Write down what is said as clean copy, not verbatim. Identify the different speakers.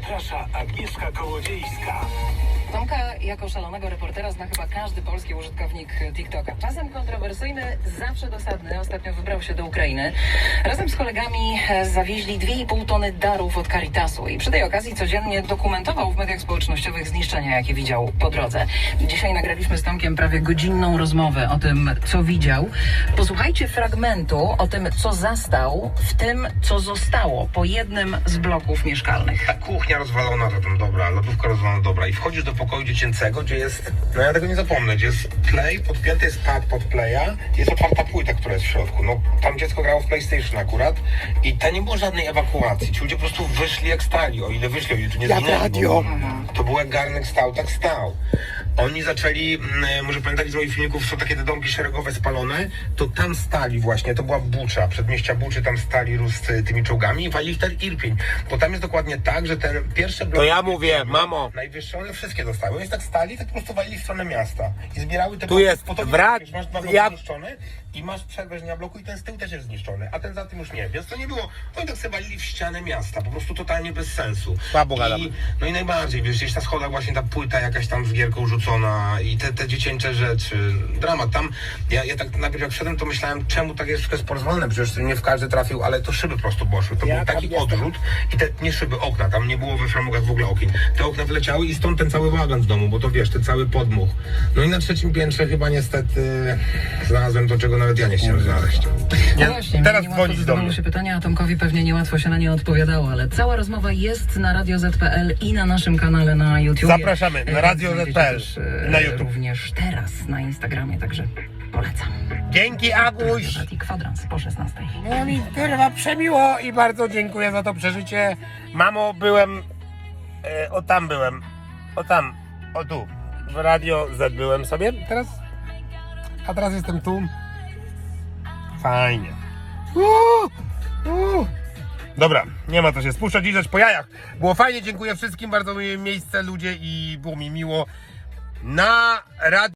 Speaker 1: Zaprasza Agnieszka Kołodziejska.
Speaker 2: Tomka jako szalonego reportera zna chyba każdy polski użytkownik TikToka. Czasem kontrowersyjny, zawsze dosadny. Ostatnio wybrał się do Ukrainy. Razem z kolegami zawieźli 2,5 tony darów od Caritasu i przy tej okazji codziennie dokumentował w mediach społecznościowych zniszczenia, jakie widział po drodze. Dzisiaj nagraliśmy z Tomkiem prawie godzinną rozmowę o tym, co widział. Posłuchajcie fragmentu o tym, co zastał w tym, co zostało po jednym z bloków mieszkalnych.
Speaker 3: Ta kuchnia rozwalona, to tam dobra, lodówka rozwalona, dobra. I wchodzisz do pokoju dziecięcego, gdzie jest, no ja tego nie zapomnę, gdzie jest play, podpięty jest pad pod playa, jest otwarta płyta, która jest w środku. No tam dziecko grało w PlayStation akurat i ta nie było żadnej ewakuacji. Ci ludzie po prostu wyszli jak stali, o ile wyszli, o ile tu nie zginęli. To był jak garnek stał, tak stał. Oni zaczęli, może pamiętali z moich filmików, są takie te domki szeregowe spalone, to tam stali właśnie, to była Bucza, przedmieścia Buczy, tam stali z tymi czołgami i walili w ten Irpień. Bo tam jest dokładnie tak, że ten pierwszy blok...
Speaker 4: To ja mówię, mamo.
Speaker 3: Najwyższe, one wszystkie dostały. Oni tak stali, tak po prostu walili w stronę miasta. I zbierały te
Speaker 4: Tu jest wrak,
Speaker 3: masz dwa bloki
Speaker 4: ja-
Speaker 3: zniszczone i masz przerwę bloku i ten z tyłu też jest zniszczony, a ten za tym już nie. Więc to nie było, oni tak sobie walili w ścianę miasta, po prostu totalnie bez sensu.
Speaker 4: Słabo gadam.
Speaker 3: No i najbardziej, wiesz, gdzieś na schodach właśnie ta płyta jakaś tam z gierką rzucona i te dziecięce rzeczy. Dramat. Tam, ja tak najpierw jak wszedłem, to myślałem, czemu tak jest wszystko porozwalone, przecież nie w każdy trafił, ale to szyby po prostu poszły. To był taki odrzut i te, nie szyby, okna, tam nie było we framugach w ogóle okien. Te okna wyleciały i stąd ten cały bałagan w domu, bo to wiesz, ten cały podmuch. No i na trzecim piętrze chyba niestety znalazłem to, czego nawet ja nie chciałem znaleźć.
Speaker 2: No właśnie,
Speaker 4: teraz
Speaker 2: niełatwo
Speaker 4: dzwonić do
Speaker 2: zadawało
Speaker 4: mnie.
Speaker 2: się pytania, a Tomkowi pewnie niełatwo się na nie odpowiadało, ale cała rozmowa jest na Radio Z.pl i na naszym kanale na YouTube.
Speaker 4: Zapraszamy na Radio
Speaker 2: Znajdziecie
Speaker 4: Z.pl
Speaker 2: też,
Speaker 4: na YouTube.
Speaker 2: Również teraz na Instagramie, także polecam.
Speaker 4: Dzięki, Aguś.
Speaker 2: I kwadrans po 16.
Speaker 4: No mi kurwa przemiło i bardzo dziękuję za to przeżycie. Mamo, byłem, tam byłem, tam, tu, w Radio Z byłem sobie teraz, a teraz jestem tu. Fajnie. Dobra, nie ma co się spuszczać i rzecz po jajach. Było fajnie, dziękuję wszystkim, bardzo miłe miejsce, ludzie i było mi miło. Na radio